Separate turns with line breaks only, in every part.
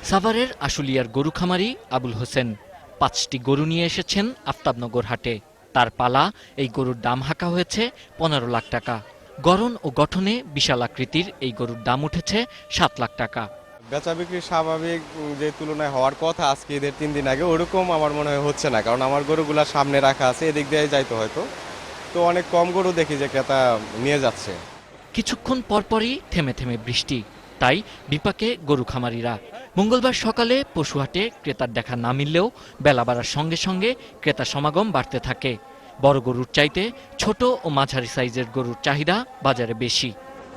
সাভারের আশুলিয়ার গরু খামারি আবুল হোসেন ৫টি গরু নিয়ে এসেছেন আফতাবনগর হাটে। তার পালা এই গরুর দাম হাঁকা হয়েছে ১৫ লাখ টাকা। গড়ন ও গঠনে বিশাল আকৃতির এই গরুর দাম উঠেছে ৭ লাখ টাকা।
বেচা বিক্রি স্বাভাবিক যে তুলনায় হওয়ার কথা আজকে ঈদের ৩ দিন আগে ওরকম আমার মনে হয় হচ্ছে না, কারণ আমার গরুগুলা সামনে রাখা আছে, এদিক দিয়ে যাইতো হয়তো, তো অনেক কম গরু দেখি যে ক্রেতা নিয়ে যাচ্ছে।
কিছুক্ষণ পরপরই থেমে থেমে বৃষ্টি, তাই বিপাকে গরু খামারিরা। মঙ্গলবার সকালে পশুহাটে ক্রেতার দেখা না মিললেও বেলা বাড়ার সঙ্গে সঙ্গে ক্রেতা সমাগম বাড়তে থাকে। বড় গরুর চাইতে ছোট ও মাঝারি সাইজের গরুর চাহিদা বাজারে বেশি।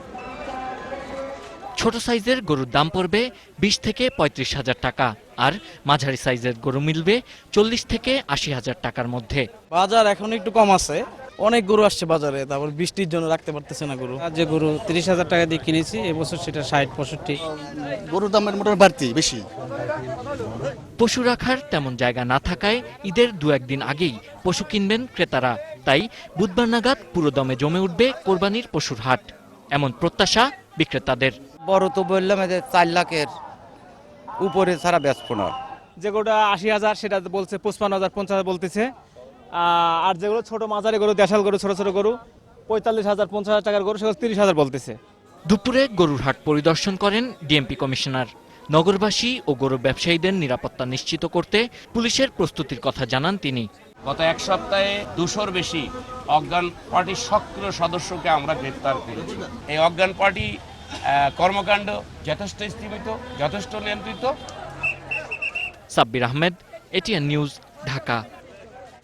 ছোট সাইজের গরুর দাম পড়বে ২০ থেকে ৩৫ হাজার টাকা, আর মাঝারি সাইজের গরু মিলবে ৪০ থেকে ৮০ হাজার টাকার মধ্যে।
বাজার এখন একটু কম আছে, অনেক গরু আসছে বাজারে, তারপর বৃষ্টির জন্য রাখতে পারতেছে না গরু।
যে গরু ৩০,০০০ টাকা দিয়ে কিনেছি, এবছর সেটা ৬০-৬৫।
গরুর দামের মোটামুটি বাড়তি বেশি।
পশু রাখার তেমন জায়গা না থাকায় ঈদের ২-১ দিন আগেই পশু কিনবেন ক্রেতারা। তাই বুধবার নাগাদ পুরোদমে জমে উঠবে কোরবানির পশুর হাট, এমন প্রত্যাশা বিক্রেতাদের।
বড় তো বললাম যে ৪ লাখের উপরে ছাড়া বেচবো না।
যে গরুটা ৮০,০০০ সেটা বলছে ৫৫,০০০ ৫০,০০০ বলতেছে। আর যেগুলো ছোট মাঝারি গরু, দেশাল গরু, ছোট ছোট গরু ৪৫,০০০ ৫০,০০০ টাকার গরু সেগুলো ৩০,০০০ বলতেছে।
দুপুরে গরুর হাট পরিদর্শন করেন ডিএমপি কমিশনার। নগরবাসী ও গরু ব্যবসায়ীদের নিরাপত্তা নিশ্চিত করতে পুলিশের প্রস্তুতির কথা জানান তিনি।
গত এক সপ্তাহে ২০০-র বেশি অজ্ঞান পার্টির সক্রিয় সদস্যকে আমরা গ্রেপ্তার করেছি। এই অজ্ঞান পার্টি কর্মকাণ্ড যথেষ্ট স্থিমিত, যথেষ্ট নিয়ন্ত্রিত।
Sabbir Ahmed, ATN news, Dhaka.